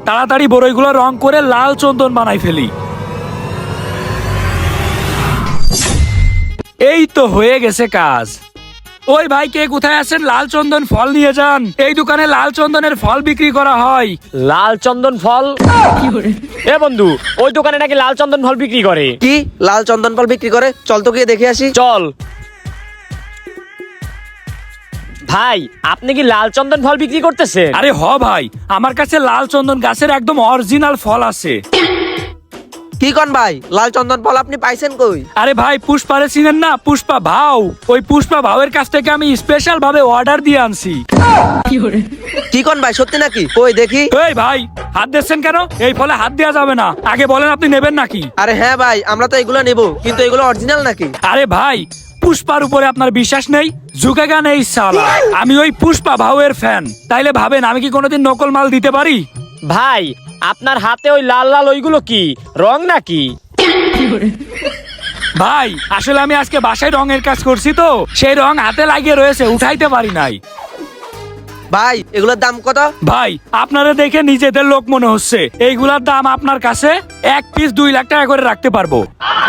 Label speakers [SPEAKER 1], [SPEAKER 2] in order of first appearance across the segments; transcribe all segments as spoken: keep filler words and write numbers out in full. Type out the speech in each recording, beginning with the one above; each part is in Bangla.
[SPEAKER 1] তাড়াতাড়ি বড়ইগুলো রং করে লাল চন্দন বানাই ফেলি। এই তো হয়ে গেছে কাজ। ওই ভাই, কে কোথায় আছেন? লাল চন্দন ফল নিয়ে যান। এই দোকানে লাল চন্দনের ফল বিক্রি করা হয়।
[SPEAKER 2] লাল চন্দন ফল? এ বন্ধু, ওই দোকানে নাকি লাল চন্দন ফল বিক্রি করে।
[SPEAKER 3] কি লাল চন্দন ফল বিক্রি করে? চল তো গিয়ে দেখে আসি।
[SPEAKER 2] চল। ভাই, আপনি কি লাল চন্দন ফল বিক্রি করতেছেন?
[SPEAKER 1] আরে হ ভাই, আমার কাছে লাল চন্দন গাছের একদম অরিজিনাল ফল আছে।
[SPEAKER 3] কি কন ভাই, লাল চন্দন ফল আপনি পাইছেন কই?
[SPEAKER 1] আরে ভাই, পুষ্পারে চিনেন না? পুষ্পা ভাও, ওই পুষ্পা ভাওয়ের কাছ থেকে আমি স্পেশাল ভাবে অর্ডার দিয়ে আনছি।
[SPEAKER 3] কি কন ভাই, সত্যি নাকি? কই দেখি।
[SPEAKER 1] এই ভাই, হাত দিচ্ছেন কেন? এই ফলে হাত দেওয়া যাবে না। আগে বলেন আপনি নেবেন নাকি?
[SPEAKER 3] আরে হ্যাঁ ভাই, আমরা তো এগুলো নেব, কিন্তু এগুলো অরিজিনাল নাকি?
[SPEAKER 1] আরে ভাই, পুষ্পার উপরে আপনার বিশ্বাস নেই? ঝুঁকেগা নেই সালা। আমি ওই পুষ্পা ভাওয়ের ফ্যান, তাইলে ভাবেন আমি কি কোনোদিন নকল মাল দিতে পারি?
[SPEAKER 2] ভাই, আপনার হাতে ওই লাল লাল ওইগুলো কি রং নাকি?
[SPEAKER 1] ভাই, আসলে আমি আজকে বাসায় রঙের কাজ করছি তো, সেই রং হাতে লাগিয়ে রয়েছে, উঠাইতে পারি নাই।
[SPEAKER 3] ভাই এগুলোর দাম কত?
[SPEAKER 1] ভাই, আপনারা দেখে নিজেদের লোক মনে হচ্ছে, এইগুলার দাম আপনার কাছে এক পিস দুই লাখ টাকা করে রাখতে পারবো।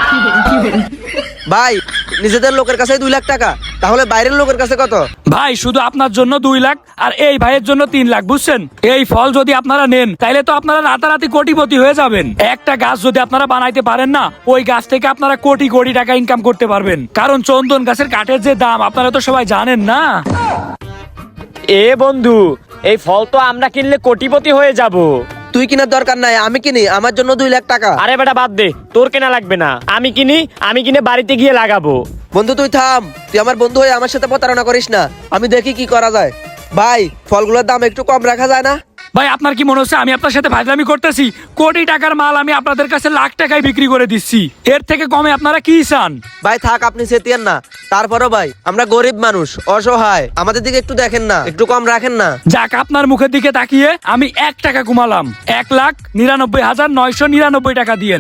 [SPEAKER 3] ভাই নিজেদের লোকের কাছে দুই লাখ টাকা, তাহলে বাইরের লোকের কাছে কত?
[SPEAKER 1] ভাই, শুধু আপনার জন্য দুই লাখ আর এই ভাইয়ের জন্য তিন লাখ, বুঝছেন? এই ফল যদি আপনারা নেন, তাইলে তো আপনারা রাতারাতি কোটিপতি হয়ে যাবেন। একটা গাছ যদি আপনারা বানাইতে পারেন না, ওই গাছ থেকে আপনারা কোটি কোটি টাকা ইনকাম করতে পারবেন। কারণ চন্দন গাছের কাঠের যে দাম আপনারা তো সবাই জানেন না।
[SPEAKER 2] এ বন্ধু, এই ফল তো আমরা কিনলে কোটিপতি হয়ে যাব।
[SPEAKER 3] তুই কেনার দরকার নাই, আমি কিনি, আমার জন্য দুই লাখ টাকা।
[SPEAKER 2] আরে বেটা বাদ দে, তোর কেনা লাগবে না। আমি কিনি, আমি কিনে বাড়িতে গিয়ে লাগাবো।
[SPEAKER 3] বন্ধু তুই থাম, তুই আমার বন্ধু হয়ে আমার সাথে প্রতারণা করিস না। আমি দেখি কি করা যায়। ভাই ফলগুলোর দাম একটু কম রাখা যায় না?
[SPEAKER 1] ভাই, আপনার কি মনে হচ্ছে আমি আপনার সাথে ফাজলামি করতেছি? কোটি টাকার মাল আমি আপনাদের কাছে লাখ টাকায় বিক্রি করে দিচ্ছি, এর থেকে কমে আপনারা কি চান?
[SPEAKER 3] ভাই থাক, আপনি সেটিয়েন না। তারপরও ভাই, আমরা গরিব মানুষ, অসহায়, আমাদের দিকে একটু দেখেন না, একটু কম রাখেন না।
[SPEAKER 1] যাক, আপনার মুখের দিকে তাকিয়ে আমি এক টাকা কমালাম। এক লাখ নিরানব্বই হাজার নয়শো নিরানব্বই টাকা দিয়েন।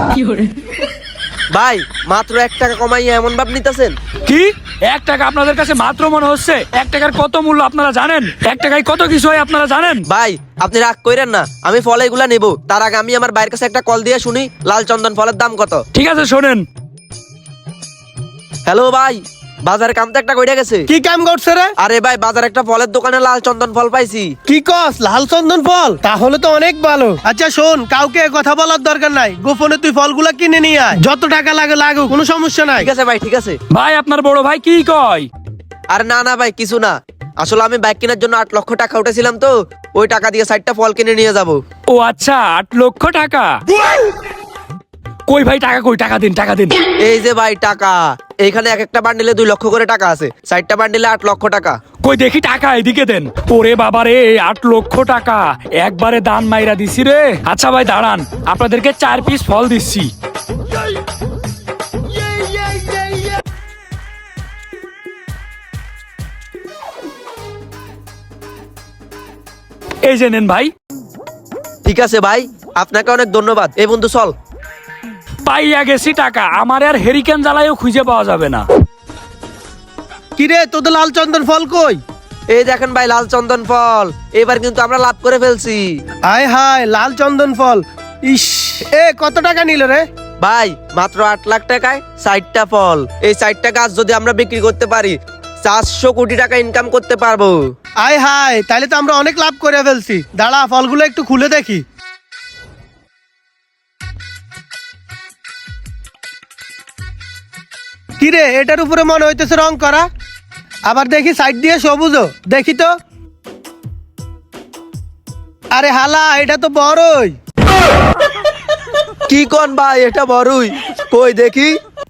[SPEAKER 3] ভাই মাত্র এক টাকা কমাইয়া এমন ভাব নিতেছেন?
[SPEAKER 1] কি এক টাকা আপনাদের কাছে মাত্র মনে হচ্ছে? এক টাকার কত মূল্য আপনারা জানেন? এক টাকায় কত কিছু হয় আপনারা জানেন?
[SPEAKER 3] ভাই আপনি রাগ কইরেন না, আমি ফল এগুলা নেবো, তার আগে আমি আমার ভাইয়ের কাছে একটা কল দিয়ে শুনি লাল চন্দন ফলের দাম কত।
[SPEAKER 1] ঠিক আছে, শোনেন।
[SPEAKER 3] হ্যালো ভাই, বাজারে কাম তো একটা কইরা গেছে।
[SPEAKER 4] কি কাম করছে রে?
[SPEAKER 3] আরে ভাই, বাজার একটা ফলের দোকানে লাল চন্দন ফল পাইছি।
[SPEAKER 4] কি কস, লাল চন্দন ফল? তাহলে তো অনেক ভালো। আচ্ছা শোন, কাউকে এ কথা বলার দরকার নাই, গোপনে তুই ফলগুলা কিনে নিয়ে আয়, যত টাকা লাগে লাগুক, কোনো সমস্যা নাই।
[SPEAKER 3] ঠিক আছে ভাই, ঠিক আছে।
[SPEAKER 1] ভাই, আপনার বড় ভাই কি কয়?
[SPEAKER 3] আরে না না ভাই, কিছু না। আসলে আমি বাইক কেনার জন্য আট লক্ষ টাকা উঠেছিলাম তো, ওই টাকা দিয়ে ষাটটা ফল কিনে নিয়ে যাব।
[SPEAKER 1] ও আচ্ছা, আট লক্ষ টাকা? কই ভাই, টাকা কই? টাকা দিন, টাকা দিন।
[SPEAKER 3] এই যে ভাই টাকা, এইখানে এক একটা বান্ডিলে দুই লক্ষ করে টাকা আছে, ষাটটা বান্ডিলে আট লক্ষ টাকা।
[SPEAKER 1] কই দেখি টাকা, এদিকে দেন। ওরে বাবা রে, আট লক্ষ টাকা একবারে দান মাইরা দিছি রে। আচ্ছা ভাই দাঁড়ান, আপনাদেরকে চার পিস ফল দিচ্ছি। এই যে নেন ভাই।
[SPEAKER 3] ঠিক আছে ভাই, আপনাকে অনেক ধন্যবাদ। এই বন্ধু চল।
[SPEAKER 1] পাইয়া গেছি টাকা, আমার আর হেরিকেন জ্বালায়ও খুঁজে পাওয়া যাবে না।
[SPEAKER 4] কি রে, তোদের লাল চন্দন ফল কই?
[SPEAKER 3] এই দেখেন ভাই, লাল চন্দন ফল। এবার কিন্তু আমরা লাভ করে ফেলছি।
[SPEAKER 4] আয় হায়, লাল চন্দন ফল। ইস, এ কত টাকা নিল রে?
[SPEAKER 3] ভাই মাত্র আট লাখ টাকায় ষাটটা ফল। এই ষাটটা গাছ যদি আমরা বিক্রি করতে পারি, চারশো কোটি টাকা ইনকাম করতে পারবো।
[SPEAKER 4] আয় হায়, তাহলে তো আমরা অনেক লাভ করে ফেলছি। দাঁড়া, ফলগুলো একটু খুলে দেখি। কি রে, এটার উপরে মনে হইতেছে রং করা, আবার দেখি সাইড দিয়ে সবুজও, দেখি তো। আরে হালা, এটা তো বড়ই।
[SPEAKER 3] কি কোন ভাই, এটা বড়ই? কই দেখি।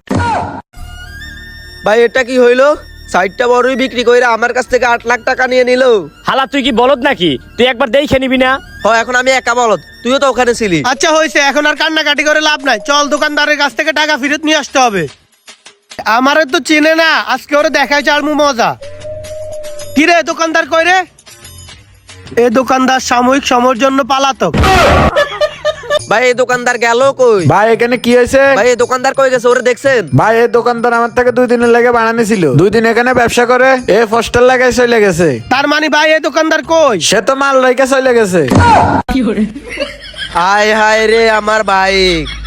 [SPEAKER 3] ভাই এটা কি হইলো? ষাটটা বড়ই বিক্রি কইরা আমার কাছ থেকে আট লাখ টাকা নিয়ে নিল।
[SPEAKER 2] হালা, তুই কি বলদ নাকি? তুই একবার দেখে নিবি না?
[SPEAKER 3] হ, এখন আমি একা বলদ, তুইও তো ওখানে ছিলি।
[SPEAKER 4] আচ্ছা হয়েছে, এখন আর কান্নাকাটি করে লাভ নাই, চল দোকানদারের কাছ থেকে টাকা ফেরত নিয়ে আসতে হবে। আমারে তো চিনে না, আজকে ওরে দেখাই চালমু মজা। কি রে, দোকানদার কই রে? এ দোকানদার সাময়িক সময়ের জন্য পালাতক।
[SPEAKER 3] ভাই এই দোকানদার গেল কই?
[SPEAKER 5] ভাই এখানে কি হয়েছে?
[SPEAKER 3] ভাই এই দোকানদার কই গেছে ওরে দেখছেন?
[SPEAKER 5] ভাই এই দোকানদার আমার থেকে দুই দিনের লেগে বানানি ছিল, দুই দিন এখানে ব্যবসা করে এ পোস্টার লাগাই চলে গেছে।
[SPEAKER 4] তার মানে ভাই এই দোকানদার কই?
[SPEAKER 5] সে তো মাল রেখে চলে গেছে।
[SPEAKER 3] হায় হায় রে আমার বাইক।